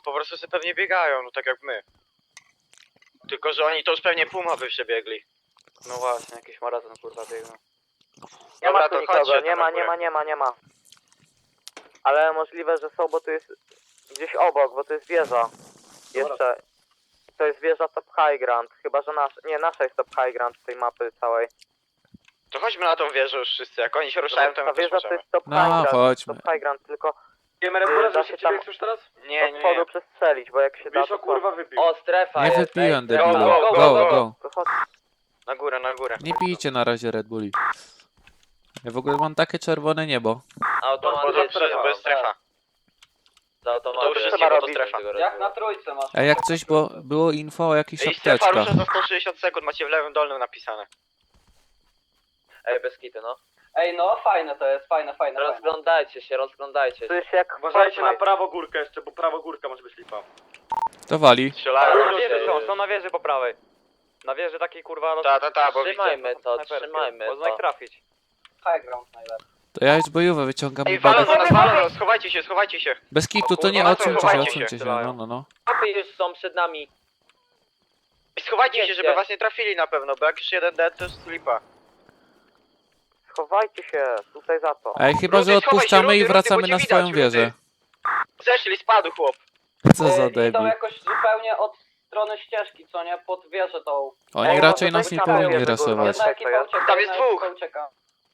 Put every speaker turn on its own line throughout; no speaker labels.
po prostu sobie pewnie biegają, no tak jak my. Tylko, że oni to już pewnie Puma by przebiegli.
No właśnie, jakiś maraton kurwa biegną.
Nie ma
Dobra,
tu
to
nikogo,
chodźcie
nie
tam
ma,
na
nie
górę.
ma, nie ma, nie ma. Ale możliwe, że są, bo tu jest gdzieś obok, bo to jest wieża. Jeszcze. To jest wieża Top High Ground, chyba że nasza jest Top High Ground z tej mapy całej.
To chodźmy na tą wieżę już wszyscy, jak oni się ruszają, to
Ta
my też
wieża to
możemy.
jest Top
No,
High Ground,
chodźmy.
Top High Ground, tylko
Wiemy Rebura,
da
że
się
się
tam
ciebie już teraz?
Nie,
od
nie,
spodu
nie.
przestrzelić, bo jak się da,
Wiesz,
to
o kurwa wypił.
O, strefa
Nie
jest.
wypiłem,
ej, strefa.
debilu.
go,
Go, go.
to chodź.
Na górę, na górę.
Nie pijcie na razie Red Bulli. Ja w ogóle mam takie czerwone niebo.
Automat
Bo to jest strefa.
To automat.
To już
trzeba
jest jego
robić.
strefa.
Jak na trójce masz?
A jak coś, bo było info o jakichś
I strefa
apteczkach.
rusza za 160 sekund, macie w lewym dolnym napisane.
Ej, bez kity, no.
Ej, no fajne to jest, fajne.
Rozglądajcie się, rozglądajcie
To
się.
jest jak
Uważajcie na
Fortnite.
prawo górkę jeszcze, bo prawo górka może być lipa.
To wali.
Strzelają.
Na wieży
się.
na wieży po prawej. Na wieży takiej kurwa...
Ta, bo widzę.
Trzymajmy to, trzymajmy
Można ich
to.
trafić.
High ground najlepiej.
To ja już bojówę wyciągam
Ej,
i badę.
walą nas, schowajcie się, schowajcie się.
Bez kitu, to nie,
Kurwa,
odsuńcie się,
chowajcie
odsuńcie
się.
się. No.
Chłopy już są przed nami.
I schowajcie się,
Wiecie.
żeby was nie trafili na pewno, bo jak już jeden dead, to jest lipa.
Schowajcie się, tutaj za to.
Ej, chyba, że
Rudy, schowaj się,
odpuszczamy
Rudy,
i
Rudy,
wracamy
bo cię
na
widać,
swoją
Rudy.
wieżę.
Zeszli, spadł chłop.
Co za
Idą
debil.
jakoś zupełnie od strony ścieżki, co nie? Pod wieżę tą.
Oni
Ej,
raczej
może
nas nie
czekamy,
powinni
żeby
rasować.
kurwa-
Jedna ekipa ucieka,
Tam jest
jedna
dwóch.
ekipa ucieka.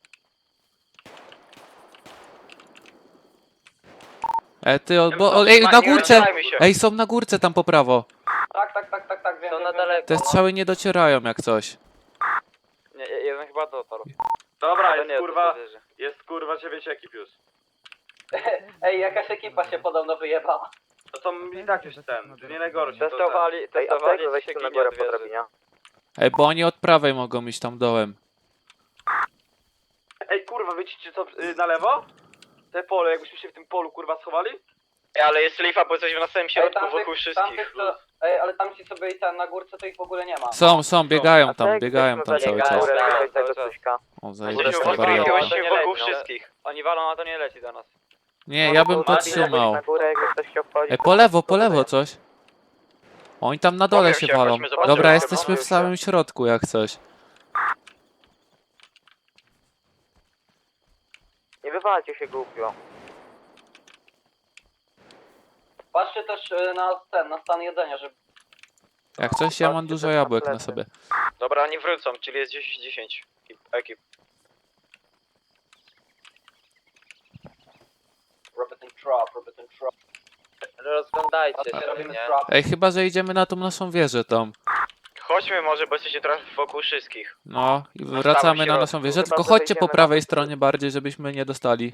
Ej, na
Nie
górce!
rozdzielajmy się.
Ej, są na górce tam po prawo.
Tak, wiem.
Są
wiem,
na
wiem.
daleko.
Te strzały nie docierają jak coś.
Nie, jeden chyba dotarł.
Dobra,
Ale
jest
nie,
kurwa,
to wieży.
jest kurwa 9 ekip już. Ej, jakaś ekipa się podobno wyjebała. No to i tak już ten, to nie najgorsze. to
Testowali,
Ej, a
testowali
tego weź
się
tu na
ginie
górę
od
po
wieży.
drabinie.
Ej, bo oni od prawej mogą iść tam dołem.
Ej, kurwa, wiecie co, na lewo? Te pole, jakbyśmy się w tym polu kurwa schowali?
Ej, ale jest lipa, bo jesteśmy na samym środku,
tamtych-
wokół wszystkich.
Ej, ale tam ci sobie i ten na górce to ich w ogóle nie ma.
Są, biegają
A
tam,
tak,
biegają
weźmy
tam
weźmy
cały
na
czas.
górę,
Tak,
tutaj tego
cały czas.
Tuśka.
O,
Jesteśmy
zajebista
wokół
wariata.
gości,
nie
wokół
leci, no.
wszystkich.
Oni walą, a to nie leci do nas.
Nie, ja bym
No,
podtrzymał.
Na górę, jakby ktoś chciał wchodzić.
Ej, po lewo coś. Oni tam na dole
Bawią
się
się,
walą.
chodźmy, zobaczymy,
Dobra,
co
jesteśmy
bawią
w
się.
samym środku jak coś.
Nie wywalcie się głupio.
Patrzcie też na stan jedzenia, żeby...
Jak coś, ja mam dużo jabłek na sobie.
Dobra, oni wrócą, czyli jest 10 ekip.
Robert trap.
Rozglądajcie
Patrzcie,
się,
robimy
nie?
trap.
Ej, chyba, że idziemy na tą naszą wieżę tam.
Chodźmy może, bo jesteście trochę wokół wszystkich.
No, i
samym
wracamy na
środku.
naszą wieżę,
Chyba,
tylko
że
chodźcie po
wejdziemy
prawej
na-
stronie bardziej, żebyśmy nie dostali.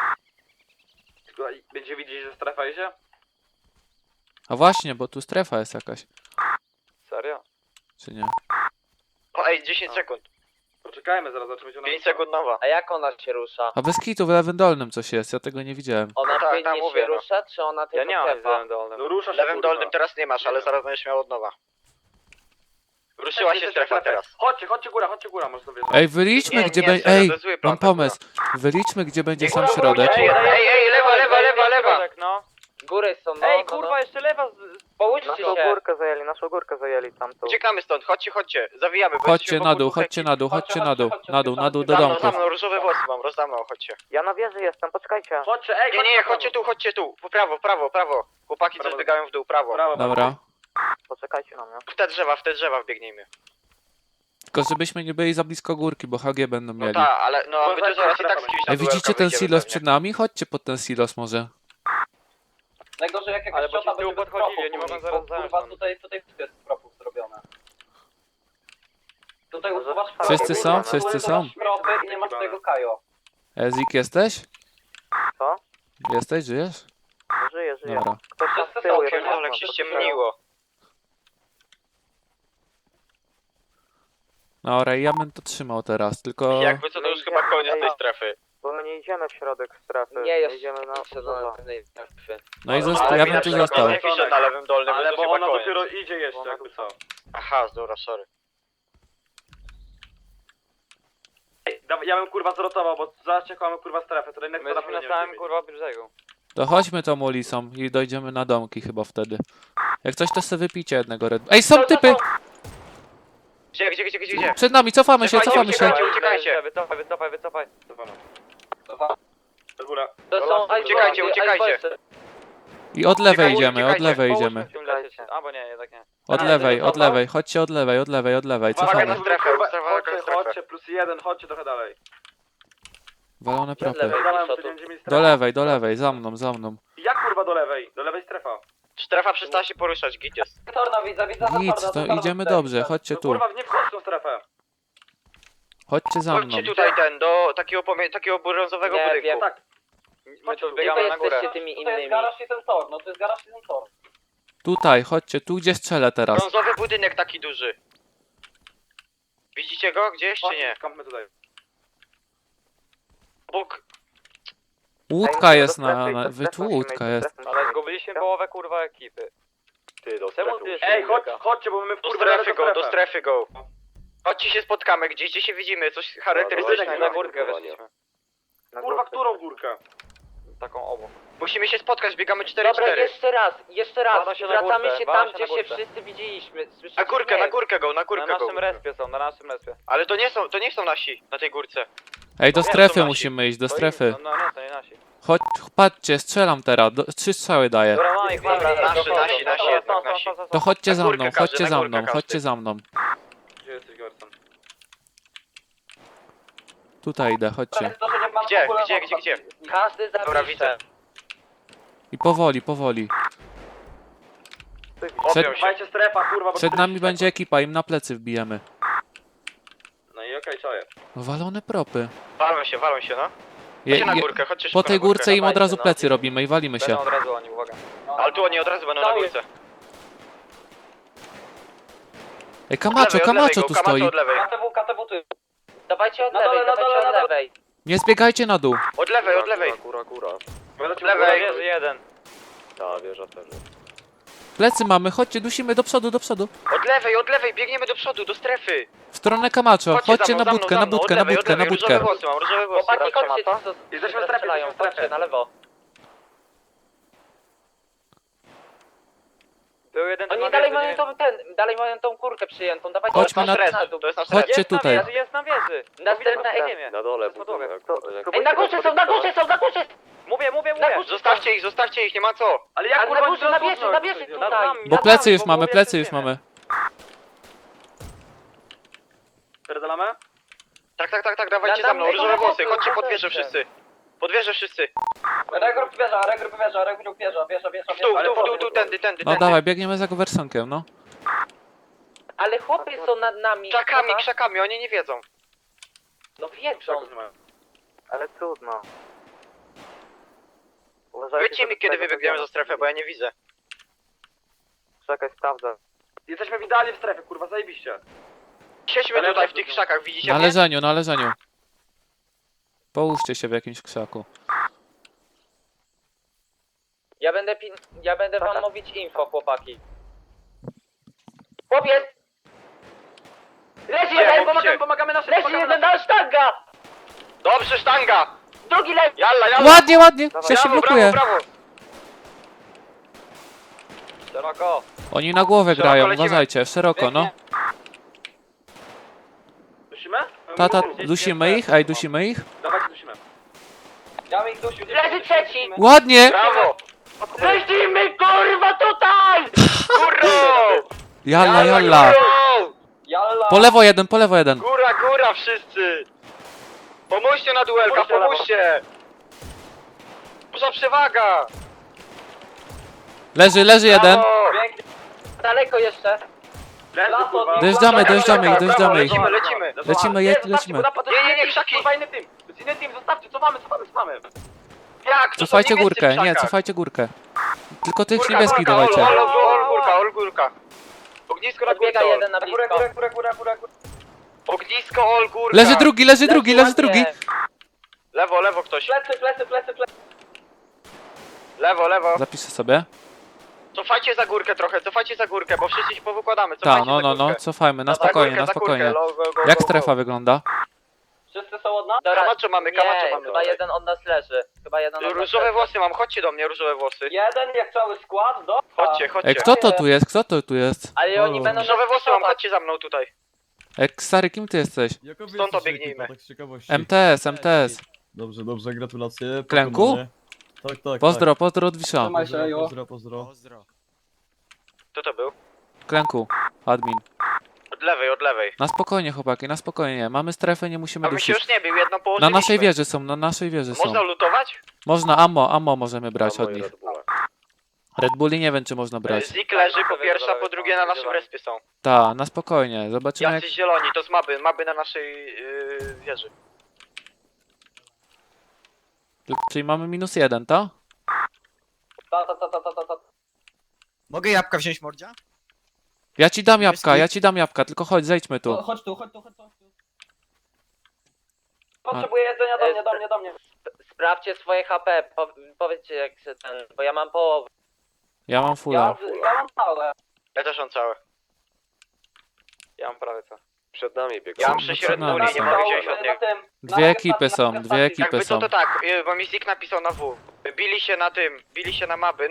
Będzie widzieć, że strefa idzie?
A właśnie, bo tu strefa jest jakaś,
Serio?
czy nie?
O, ej, 10 sekund.
Poczekajmy, zaraz zobaczymy się
5 sekund nowa.
A jak ona się rusza?
A bez kitu w lewym dolnym coś jest, ja tego nie widziałem.
Ona
tak,
płynnie
mówię,
się
no.
rusza, czy ona
Ja
tylko
nie mam
klepa?
nic dolnym.
No rusza
W
się,
lewym
kurwa.
dolnym teraz nie masz, ale zaraz będziesz miał od nowa. Ruszyła się strefa teraz.
Chodźcie góra, może sobie.
Ej, wyliczmy
Nie,
gdzie
nie,
będzie...
serio,
Ej,
to jest zły plan,
mam
ta góra.
pomysł. Wyliczmy gdzie będzie
Nie,
sam
kurwa,
środek.
ej, lewa.
No.
Góry są, no.
Ej,
no,
kurwa,
no.
jeszcze lewa.
Połóżcie
Naszą górkę zajęli tamtą.
Uciekamy stąd, chodźcie, zawijamy. bo
Chodźcie
jesteśmy
na
wokół
dół,
dwóch
chodźcie
ekip.
na dół, chodźcie na dół. Na dół do
Za
domków.
mną, różowe włosy mam, rozdam chodźcie.
Ja na wieży jestem, poczekajcie.
Chodźcie, ej,
Nie, chodźcie tu, po prawo. Chłopaki coś
Prawo.
biegają w dół, prawo.
Brawo,
Dobra.
Poczekajcie na mnie.
W te drzewa wbiegnijmy.
Tylko żebyśmy nie byli za blisko górki, bo HG będą
No
mieli.
tak, ale no my to zaraz i tak z kimś na
Ej, widzicie
duelka
ten
wyjdziemy
silos
pewnie.
przed nami? Chodźcie pod ten silos może.
Najgorzej jak jakaś
Ale bo ci
ciota
z tyłu
będzie bez
podchodzili,
propów
nie mogą
u nich,
zaraz
bo,
zająć
kurwa,
nam.
tutaj wszystko jest z propów zrobione. Tutaj
Może
usuwasz
Wszyscy
propy,
są?
usuwasz
Wszyscy są?
propy i nie masz tego kajo.
Ezik, jesteś?
Co?
Jesteś, żyjesz?
Żyję.
Dobra.
Ktoś tam z
Wszyscy
tyłu
są,
jest.
Pierdolę, jak się ściemniło.
Dobra, ja bym to trzymał teraz, tylko...
Jakby co, to już chyba koniec tej strefy.
Bo my nie idziemy w środek strefy.
Nie,
my
jest
idziemy na
sezon
poza.
pewnej strefy.
No i
Ale
ja
mi
bym
na
tu
przykład
został.
nie pisze na lewym dolnym,
Ale
więc to
bo
chyba
ona
koniec.
dopiero idzie jeszcze, jakby co.
Aha, dobra, sorry.
Ej, ja bym kurwa zrotował, bo zaraz czekamy kurwa strefę, to jednak
My jesteśmy na samym kurwa brzegu.
To chodźmy tą ulicą i dojdziemy na domki chyba wtedy. Jak coś, to sobie wypicie jednego Red. Ej, są typy!
Gdzie?
Przed nami, cofamy się, cofamy się.
Uciekajcie.
Wycofaj.
Do góra.
To są
Uciekajcie,
icebergi,
uciekajcie.
icebergsy.
I od lewej
Uciekajcie,
idziemy, od
uciekajcie.
lewej
Połóżmy
idziemy.
w tym lesie. Albo nie, jednak nie.
Od
A,
lewej,
dobra.
od lewej. Chodźcie od lewej, od lewej, od lewej.
Uwaga
Cofamy.
na strefę, uwaga na strefę.
Chodźcie, +1, chodźcie trochę dalej.
Walone
Od
propy.
lewej.
Zadałem,
co
tu
tu?
będziemy mieć
Do
strefę.
lewej, za mną, za mną.
Jak kurwa do lewej? Do lewej strefa.
Strefa przestała się poruszać, git jest.
Torno widzę,
Nic, to idziemy dobrze, chodźcie
No
tu.
kurwa, nie wchodź w tą strefę.
Chodźcie za mną.
Chodźcie tutaj do takiego brązowego
Nie,
budynku.
wiem.
Tak.
My tu
Gdzie
biegamy
wy
na górę.
jesteście tymi innymi?
i ten tor, no to jest garaż i ten tor.
Tutaj, chodźcie, tu gdzie strzelę teraz.
Brązowy budynek taki duży. Widzicie go gdzieś czy nie?
Skąpmy tutaj.
Bóg.
Łódka jest na... Wy tu łódka jest.
Ale zgubiliśmy połowę kurwa ekipy.
Ty, do
Czemu ty jeszcze
Ej,
nie
chodź,
biega?
chodźcie, bo my w
Do
kurwę
strefy go, do strefy go. Chodźcie się spotkamy, gdzie się widzimy, coś
Na
charakterystycznego.
górkę weszliśmy.
Kurwa, którą górkę?
Taką obok.
Musimy się spotkać, biegamy 4-4.
Dobra, jeszcze raz.
Wala się na
Wracamy
górkę,
się
wala
tam,
się
gdzie
na
się
górkę.
wszyscy widzieliśmy. Słyszycie
Na górkę
mnie?
go, na
Na
górkę go.
naszym respie są, na naszym respie.
Ale to nie są nasi na tej górce.
Ej, do
Nie,
strefy
to nasi.
musimy iść, do
To
strefy.
No nie, to nie nasi.
Chodź, patrzcie, strzelam teraz. 3 strzały daję.
Dobra, mamy ich,
Dobra,
nasi jednak, nasi.
To chodźcie
Na
za
górkę
mną,
każdy,
chodźcie
na
za
górkę
mną,
każdy.
chodźcie za mną.
Gdzie jesteś, Gerson?
Tutaj idę, chodźcie.
Gdzie?
Każdy
Dobra,
zapisze.
widzę.
I powoli, powoli.
Obią się.
Dbajcie strefa, kurwa, bo
Przed
tu-
nami będzie ekipa, im na plecy wbijemy.
No i okej, co jest?
Walone propy.
Walą się, no.
Je,
Chodźcie na
je,
górkę, chodźcie
po
szybko
tej
na górkę.
górce im od
dawajcie,
razu
no.
plecy robimy i walimy się.
Będą od razu oni, uwaga.
Ale tu oni od razu będą na górce.
Ej, Camacho, Camacho tu stoi.
od lewej.
KTW, ty.
Dawajcie od
Na dole,
lewej,
na dole,
dawajcie
na
od
dole.
lewej.
Nie zbiegajcie na dół.
Od lewej.
Od
lewej.
Wieży jeden.
Plecy mamy, chodźcie, dusimy do przodu, do przodu.
Od lewej, biegniemy do przodu, do strefy.
W stronę Camacho, chodźcie
za
na
mną,
budkę,
za
na
mną,
budkę,
od
na
lewej,
budkę,
od
na
lewej.
budkę.
Różowe włosy mam, różowe włosy.
Chłopaki, chodźcie,
Mato?
co
Jesteśmy w strefie,
strzelają,
jesteśmy w strefie.
chodźcie na lewo.
Był jeden
Oni
na
dalej
wieży,
mają dalej mają tą kurkę przyjętą, dawajcie
Chodźmy
na
na-
dół.
To jest nasz
Chodźcie
Jest na
tutaj.
wieży, jest na wieży.
Następna
Widać
ekip.
Na dole
budynek.
Ej, na górze są, na górze są, na górze!
Mówię.
Zostawcie ich, nie ma co.
Ale jak
Ale
kurwa
na górze, na
cudnąć?
wieży, na wieży
Nad
tutaj.
nami,
Bo
nad
plecy
nami,
już
bo
mamy,
mówię,
plecy już
lecimy.
mamy.
Pierdolamy?
Tak, dawajcie
Na
za mną,
mnie
różowe
na
włosy,
boku,
chodźcie
na
pod wieżę
boku.
wszyscy. Pod wieżę wszyscy.
Regrup wieża.
W dół, tędy.
No dawaj, biegniemy za Gowersonkiem, no.
Ale chłopy są nad nami.
Krzakami, oni nie wiedzą.
No wiedzą.
Ale trudno.
Powiedzcie mi, kiedy wybiegniemy za strefę, bo ja nie widzę.
Czekaj, sprawdzę.
Jesteśmy idealnie w strefie, kurwa, zajebiście.
Siedźmy
Ale
tutaj w
dobrze,
tych
no.
krzakach, widzicie
Na
mnie?
leżeniu, na leżeniu. Połóżcie się w jakimś krzaku.
Ja będę wam mówić info, chłopaki. Chłopiec! Leży jeden,
Pomagamy naszym,
leży jeden, na sztanga!
Dobrze, sztanga!
Drugi leży!
Jalla!
Ładnie, ładnie, ja się
Brawo,
blokuję.
brawo!
Szeroko.
Oni na głowę
Szeroko
grają,
lecimy.
uważajcie, szeroko, no.
Dusimy?
Tata, dusimy ich? Ej, dusimy ich?
Dawajcie, dusimy. Ja ich dusił.
Leży trzeci!
Ładnie!
Brawo!
Lecimy, kurwa, tutaj!
Kurro!
Jalla, jalla.
Kurro!
Jalla!
Po lewo jeden.
Góra wszyscy! Pomóżcie na duelka, pomóżcie! Duża przewaga!
Leży jeden.
Brawo!
Daleko jeszcze.
Leży, kurwa.
Dojeżdżamy ich.
Lecimy!
Lecimy, lecimy.
Nie, krzaki!
Kurwa, inny team. To jest inny team, zostawcie, co mamy?
Jak? To są
Cofajcie
niebiescy
górkę,
w
nie,
krzakach.
cofajcie górkę. Tylko tych
Górka,
niebieskich
górka,
dawajcie.
Górka. Ognisko na
Podbiega
górce.
jeden na blisko.
Góra.
Ognisko, górka.
Leży drugi.
Ładnie.
Lewo ktoś.
Plecy.
Lewo.
Zapiszę sobie.
Cofajcie za górkę, bo wszyscy się powykładamy.
Tak,
Cofajcie za
no,
górkę.
cofajmy, na
Za górkę,
spokojnie.
za górkę. Go.
Jak strefa wygląda?
Wszyscy są od nas?
Kamaczo mamy, kamaczo
Nie,
mamy.
chyba jeden od nas leży. Chyba jeden od nas
Różowe
leży.
włosy mam, chodźcie do mnie, różowe włosy.
Jeden jak cały skład, do...
Chodźcie, chodźcie.
Ej, kto to tu jest? Kto to tu jest?
Ale oni
Halo.
będą nas
Różowe włosy mam,
pisować.
chodźcie za mną tutaj.
Ej, stary, kim ty jesteś?
Jaka wy
Stąd
jesteście
obiegnijmy.
ekipa, tak z ciekawości?
MTS, MTS.
Dobrze, dobrze, gratulacje.
Klęku?
pokonanie. Tak, tak.
Pozdro, pozdro od Wisza.
Tak. Pozdro, pozdro.
Kto to był?
Klęku, admin.
Od lewej, od lewej.
Na spokojnie, chłopaki, na spokojnie. Mamy strefę, nie musimy
A bym się
dusić.
już nie bił, jedną
Na
położyliśmy.
naszej wieży są, na naszej wieży są.
Można lutować?
Można, ammo możemy brać od nich. Red Bulli nie wiem, czy można brać.
Zik leży po pierwsze, a po drugie na naszym respie są.
Ta, na spokojnie, zobaczymy jak...
Jacyś zieloni, to z maby na naszej wieży.
Czyli mamy -1, to?
Mogę jabłka wziąć, mordzia?
Ja ci dam jabłka, tylko chodź, zejdźmy tu.
Chodź tu, chodź tu, chodź tu.
Potrzebuję jedzenia do mnie. Sprawdźcie swoje HP, powiedzcie jak się ten, bo ja mam połowę.
Ja mam fulla.
Ja mam całe.
Ja też mam całe.
Ja mam prawie co.
Przed nami biegł.
Ja mam
No
6
co
Red
nam
Bulli,
są?
nie mogę wziąć od nich.
Dwie ekipy są, dwie ekipy
Jakby
są.
to tak, bo mi Zik napisał na W. Bili się na Mabyn.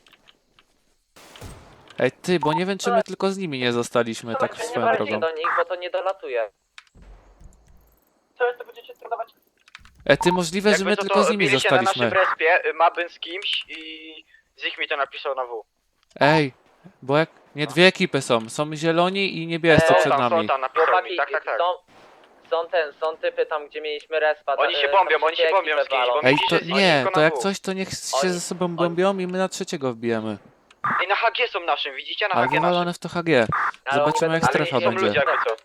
Ej, ty, bo nie wiem, czy my tylko z nimi nie zostaliśmy, tak
Nie
swoją
walcie
drogą.
do nich, bo to nie dolatuje. Co to będziecie sprzedawać?
Ej, ty, możliwe, że my
Jakby
tylko z nimi
bili się na
zostaliśmy.
naszym respie, Mabyn z kimś i Zik mi to napisał na W.
Ej, bo jak... Nie, dwie ekipy są. Są zieloni i niebiescy przed
Są
nami.
tam, napisał mi,
Chłopaki,
tak.
są typy tam, gdzie mieliśmy respa.
Oni się
tam
bombią
wszystkie
z kimś,
ekipy
bo
walą.
Ej,
Widzisz,
to
że jest
nie,
tylko
to
na
jak
W.
coś, to niech się
Oni-
ze sobą bombią i my na trzeciego wbijemy.
I na HG są naszym, widzicie? Na
Ale
HG naszym.
wywalone w to HG.
Ale
Zobaczymy,
oni
jak
będą-
strefa
Ale są
będzie.
ludzie jakby co.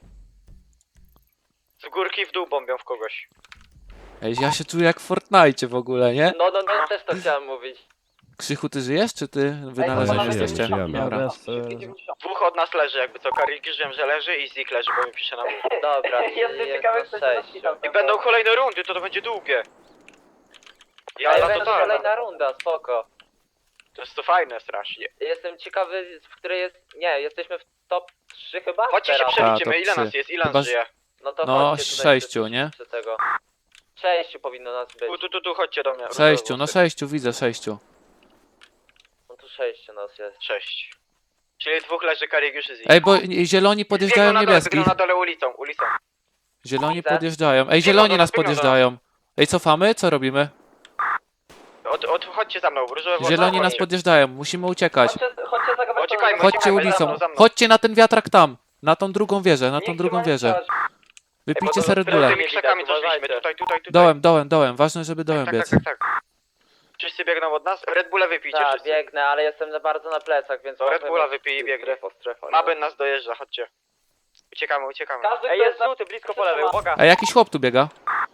Z górki w dół bombią w kogoś.
Ej, ja się czuję jak w Fortnite w ogóle, nie?
No, też to chciałem mówić.
Krzychu, ty żyjesz, czy ty wynaleziony
żyjemy,
jesteście?
Ja
Dobra.
bez,
Dwóch od nas leży jakby co. Karik wiem, że leży i Zik leży, bo mi pisze na W.
Dobra, jestem ciekawy, kto się
I będą kolejne rundy, to będzie długie. Ja
Ale
na
będzie
totalne.
kolejna runda, spoko.
To jest to fajne strasznie.
Jestem ciekawy, w której jest... Nie, jesteśmy w top 3 chyba?
Chodźcie się
Teraz.
przeliczymy,
top
ile nas
3.
jest, ile
Chyba,
nas żyje.
No to
No,
chodźcie tutaj
6,
przy-
nie?
przy tego. 6 powinno nas być.
Tu, chodźcie do mnie.
6, no 6, widzę 6.
No tu 6 nas jest.
6. Czyli dwóch leży Karik już i Zik.
Ej, bo zieloni podjeżdżają niebieskich.
Biegną na dole ulicą.
Zieloni
Widzę.
podjeżdżają. Ej, zieloni
Biegną,
nas
biegną,
podjeżdżają. Ej, cofamy? Co robimy?
Chodźcie za mną, różowe włosy.
Zieloni nas
chodźcie.
podjeżdżają, musimy uciekać.
Chodźcie za
Uciekajmy,
Chodźcie
uciekajmy,
ulicą.
za mną.
Chodźcie na ten wiatrak tam. Na tą drugą wieżę, na tą drugą wieżę. Wypijcie sobie Red Bulla.
Tymi krzakami coś szliśmy, tutaj.
Dołem. Ważne, żeby dołem biec.
Tak. Wszyscy biegną od nas? Red Bulla wypijcie
Tak,
wszyscy.
biegnę, ale jestem bardzo na plecach, więc...
To Red
mogę
Bulla
mieć-
wypij i biegnę.
Strefa.
Mabyn nas dojeżdża, chodźcie. Uciekamy.
Każdy,
Ej,
kto
jest żółty, blisko po lewej, uwaga.
Ej, jakiś chłop tu biega.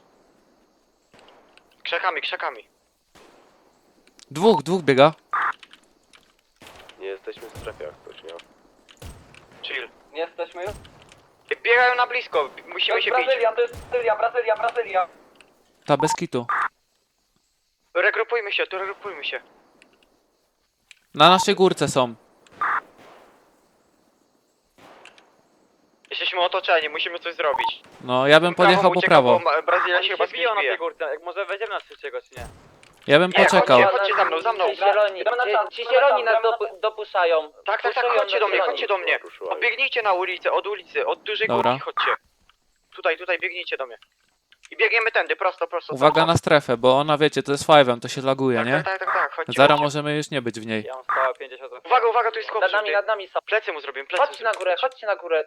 Krzakami.
Dwóch biega.
Nie jesteśmy w strefie jak coś, nie?
Chill.
Nie jesteśmy już?
Biegają na blisko, musimy się bić.
to jest Brazylia.
Ta, bez kitu.
Regrupujmy się.
Na naszej górce są.
Jesteśmy otoczeni, musimy coś zrobić.
No, ja bym podjechał po
ucieka,
prawo.
bo Brazylia
Oni
się chyba
się biją na tej
zbije.
górce, jak może wejdziemy na trzeciego, czy nie?
Ja bym
Nie,
poczekał.
chodźcie za mną.
Ci zieloni nas dopuszczają.
Tak,
Puszują
chodźcie
nas zieloni.
do mnie. Biegnijcie na ulicę, od dużej
Dobra.
górki chodźcie. Tutaj, biegnijcie do mnie. I biegniemy tędy, prosto.
Uwaga na strefę, bo ona, wiecie, to jest 5, to się laguje, nie?
Tak, chodźcie.
Zaraz
chodźcie.
możemy już nie być w niej.
Ja mam stałe 50.
Uwaga, tu jest chłop.
Nad nami są.
Plecy mu zrobię,
Chodźcie na górę.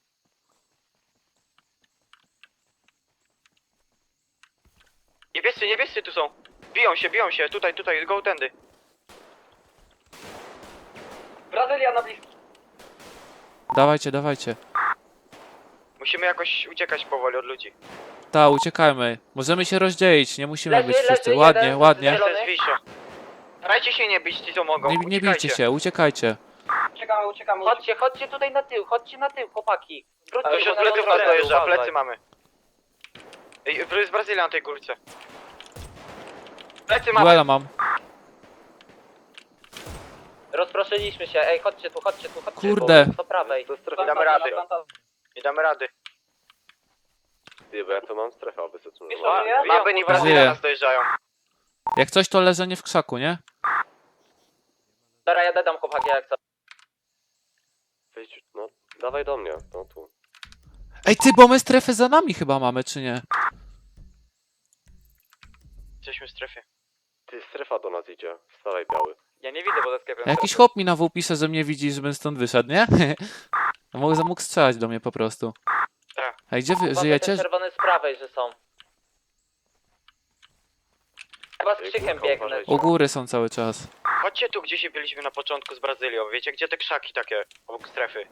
Niebiescy tu są. Biją się, tutaj, go tędy.
Brazylia na blisko.
Dawajcie.
Musimy jakoś uciekać powoli od ludzi.
Ta, uciekajmy. Możemy się rozdzielić, nie musimy
Leży,
być wszyscy.
leży,
Ładnie,
jeden
ładnie.
zielony.
To jest Wisio. Starajcie się nie bić ci co mogą.
Nie bijcie się, uciekajcie.
Uciekamy. Chodźcie tutaj na tył, chłopaki. Wróćcie
Ktoś
tu
od
na
pleców
ląd.
nas dojeżdża,
uważaj.
plecy mamy. Jest Brazylia na tej górce. Plecy mamy.
Duela mam.
Rozproszyliśmy się, ej, chodźcie tu.
Kurde.
Po prawej.
Nie damy rady.
Ty, bo ja to mam strefę obecną.
Maben i Brazylia
Żyje.
nas dojeżdżają.
Jak coś, to leżenie w krzaku, nie?
Dobra, ja dodam chłopaki jak co.
Wejdź, no, dawaj do mnie, no tu.
Ej, ty, bo my strefę za nami chyba mamy, czy nie?
Jesteśmy w strefie.
Ty, strefa do nas idzie. Wstawaj, biały.
Ja nie widzę, bo ze sklepem.
Jakiś chłop mi na W pisze, że mnie widzi, żebym stąd wyszedł, nie? Mógł strzelać do mnie po prostu.
Tak.
Ej, gdzie wy
Chłopaki,
żyjecie?
te czerwone z prawej, że są. Chyba z krzykiem
Górka,
biegnę.
uważajcie.
U góry są cały czas.
Chodźcie tu, gdzie się byliśmy na początku z Brazylią. Wiecie, gdzie te krzaki takie obok strefy?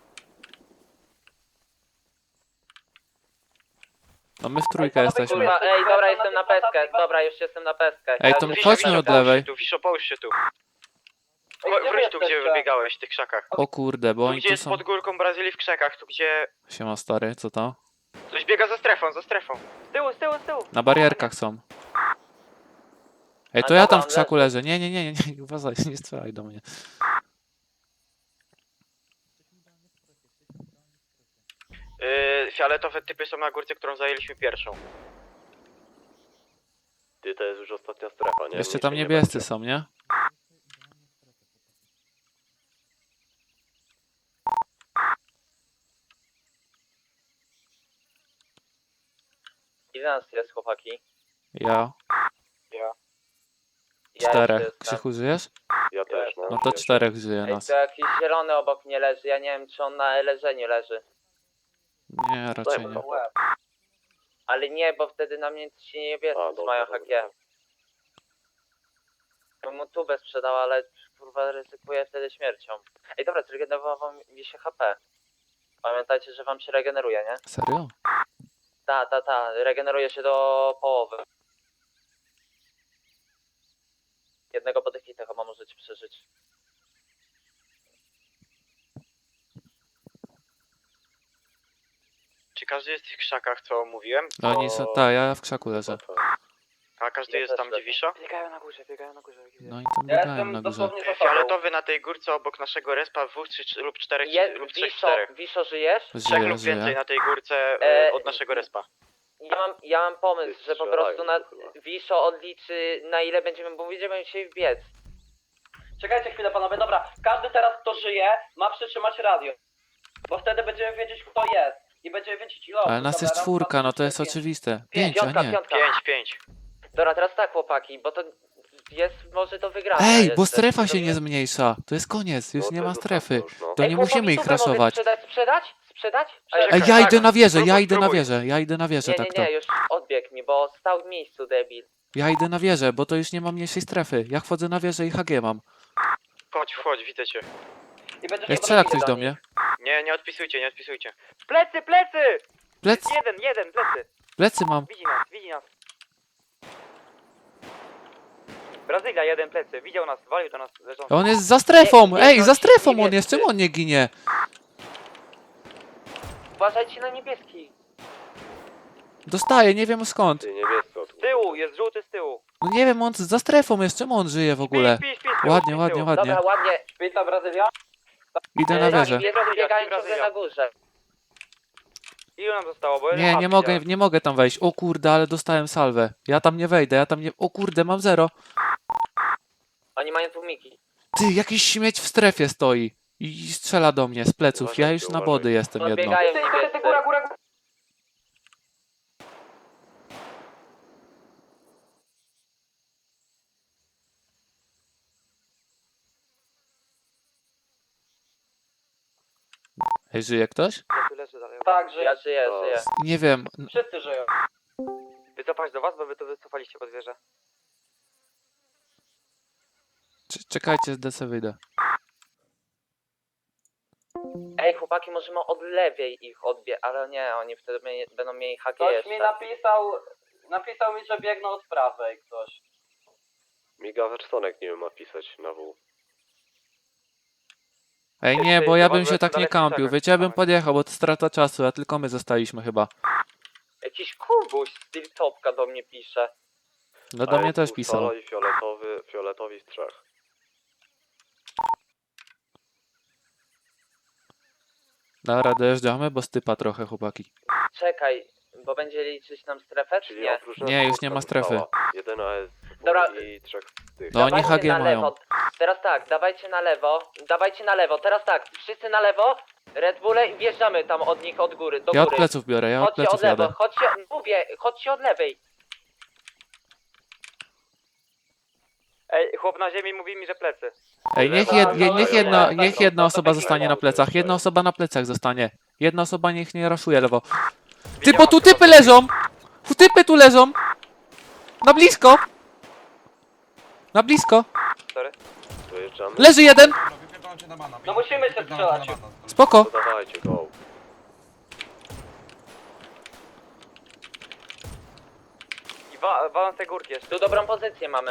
No my w trójkę jesteśmy.
Kurwa, ej, dobra, jestem na pestkę. Dobra, już jestem na pestkę.
Ej, to
Wiszo,
chodźmy
Wiszo,
od
połóż
lewej.
się tu, Wiszo, połóż się tu.
Ej, gdzie wy
Wróć tu, gdzie
jesteście?
wybiegałeś, w tych krzakach.
O kurde, bo
Tu,
oni
gdzie
tu
jest
są...
pod górką Brazylii w krzakach, tu gdzie...
Siema stary, co to?
Ktoś biega za strefą, za strefą.
Z tyłu, z tyłu, z tyłu.
Na barierkach są. Ej, to
A
ja
dobra,
tam w
on
krzaku leżę. Nie, uważaj, nie strzelaj do mnie.
Fioletowe typy są na górce, którą zajęliśmy pierwszą.
Ty, to jest już ostatnia strefa, nie?
Jeszcze
Nic
tam
nie
niebiescy
będzie.
są, nie?
Ile nas jest, chłopaki?
Ja.
Ja
Czterech.
jeszcze jestem.
Krzychu, żyjesz?
Ja też, no.
No to
Wiesz.
4 żyje
Ej,
nas.
to jakiś zielony obok mnie leży, ja nie wiem czy on na leżeniu leży.
Nie, raczej
Dajmy
nie.
to.
Ale nie, bo wtedy na mnie ci niebiescy
A, dobra,
mają
dobra.
HG. Bym mu tubę sprzedał, ale kurwa ryzykuję wtedy śmiercią. Ej dobra, zregenerowało mi się HP. Pamiętajcie, że wam się regeneruje, nie?
Serio?
Ta, regeneruje się do połowy. Jednego po tych hitach chyba możecie przeżyć.
Czy każdy jest w tych krzakach, co mówiłem?
No oni są... Tak, ja w krzaku leżę.
A każdy
Ja
jest
też
tam, gdzie
leżę.
Wiszo?
Biegają na górze, biegają na górze.
No i tam
Ja
biegają
jestem
na górze.
dosłownie za tobą.
Fioletowy na tej górce obok naszego respa, dwóch lub czterech, lub trzech,
Wiszo,
czterech.
Wiszo, żyjesz?
Trzech
Żyje,
lub więcej
żyje.
na tej górce od naszego respa.
Ja mam pomysł, że po prostu na
Strzelają chyba.
Wiszo odliczy na ile będziemy, bo będziemy się wbiec.
Czekajcie chwilę panowie, dobra. Każdy teraz kto żyje ma przytrzymać radio. Bo wtedy będziemy wiedzieć kto jest. I będziemy wiedzieć ile osób.
Ale nas
Dobra,
jest
raz,
4,
dwa,
no to
trzy,
jest
cztery, pięć.
oczywiste. 5, a
Piątka,
nie.
piątka.
5.
Dobra, teraz tak chłopaki, bo to jest może do wygrania.
Ej,
jeszcze.
bo strefa
To
się nie
jest-
zmniejsza. To jest koniec, już
No,
nie
to
ma
jest
strefy.
ostatnia już, no.
To
Ej,
nie
chłopaki,
musimy ich
tubę mogę
raszować.
Sprzedać?
Ej, ja idę na wieżę,
Spróbuj,
ja idę na wieżę, tak to.
Nie, już odbiegł mi, bo stał w miejscu debil.
Ja idę na wieżę, bo to już nie ma mniejszej strefy. Ja wchodzę na wieżę i HG mam.
Wchodź, widzę cię.
I będziesz
Ej,
się
strzela
bronić
ktoś do
nich.
mnie.
Nie odpisujcie, nie odpisujcie.
Plecy, plecy!
Plec,
Jeden, plecy.
plecy mam.
Widzi nas. Brazylia, jeden plecy. Widział nas, walił do nas leżący.
On jest za strefą!
Nie,
Ej, za strefą on
niebiescy.
jest! Czemu on nie ginie?
Uważajcie na niebieski.
Dostaje, nie wiem skąd.
Ty, niebiescy od
Z tyłu, jest żółty z tyłu.
No nie wiem, on za strefą jest, czemu on żyje w ogóle?
Śpi, z tyłu,
Ładnie,
śpi z
ładnie,
tyłu.
ładnie.
Dobra, ładnie.
Witam Brazylia.
Idę na wieżę.
Niebiescy biegają ciągle
Brazylia.
na górze.
Ilu nam zostało? Bo
Nie, nie mogę tam wejść. O kurde, ale dostałem salwę. Ja tam nie wejdę, O kurde, mam 0.
Oni mają tłumiki.
Ty, jakiś śmieć w strefie stoi. I strzela do mnie z pleców. Ja
Uważajcie,
już na
uważajcie.
body jestem jedno.
Podbiegają
Ty,
niebiescy.
góra.
Ej, żyje ktoś?
Leży dalej.
Tak, że
Ja żyję.
Nie wiem.
wszyscy żyją.
Wycofać do was, bo wy to wycofaliście pod wieżę.
Czekajcie, z DC wyjdę.
Ej, chłopaki, możemy od lewej ich ale nie, oni wtedy będą mieli haki
Ktoś
jeszcze.
mi napisał mi, że biegną od prawej ktoś.
Miga Wersonek nie wiem ma pisać na W.
Ej, nie, bo ja bym się
Dobra,
tak nie
dalej
kampił.
czekaj,
Wiecie, ja bym
czekamy.
podjechał, bo to strata czasu, a tylko my zostaliśmy chyba.
Jakiś kubuś z Tiltopka do mnie pisze.
No do mnie też pisał.
Solo i fioletowi z 3.
Dobra, dojeżdżamy, bo stypa trochę, chłopaki.
Czekaj, Bo będzie liczyć nam strefę, czy nie?
Nie, już nie ma strefy.
Jeden AS
Dobra.
i 3 tych.
No oni
Dawajcie
HG
na
mają.
lewo. Teraz tak, dawajcie na lewo, teraz tak, wszyscy na lewo, Red Bulle i wjeżdżamy tam od nich od góry, do
Ja od
góry.
pleców biorę, ja od
Chodźcie od
pleców
lewo,
jadę.
chodźcie od lewej.
Ej, chłop na ziemi mówi mi, że plecy.
Ej, niech jedna osoba zostanie na plecach. Jedna osoba na plecach zostanie. Jedna osoba niech nie raszuje lewo. Ty, bo tu typy leżą! Typy tu leżą! Na blisko! Na blisko!
Wyjeżdżamy.
Leży jeden!
No musimy się strzelać.
Spoko!
Dawajcie, go.
I walą z tej górki jeszcze.
Tu dobrą pozycję mamy.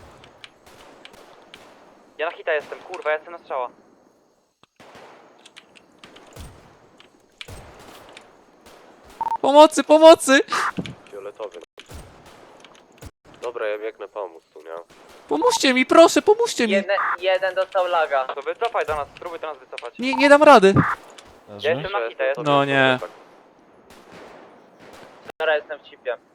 Ja na hita jestem, kurwa, ja jestem na strzała.
Pomocy, pomocy!
Fioletowy. Dobra, ja biegnę pomóc tu, nie?
Pomóżcie mi, proszę, pomóżcie mi!
Jeden dostał laga.
To wycofaj do nas, spróbuj do nas wycofać.
Nie dam rady.
Ja jestem na hita, jestem.
No nie.
Dobra, jestem w chipie.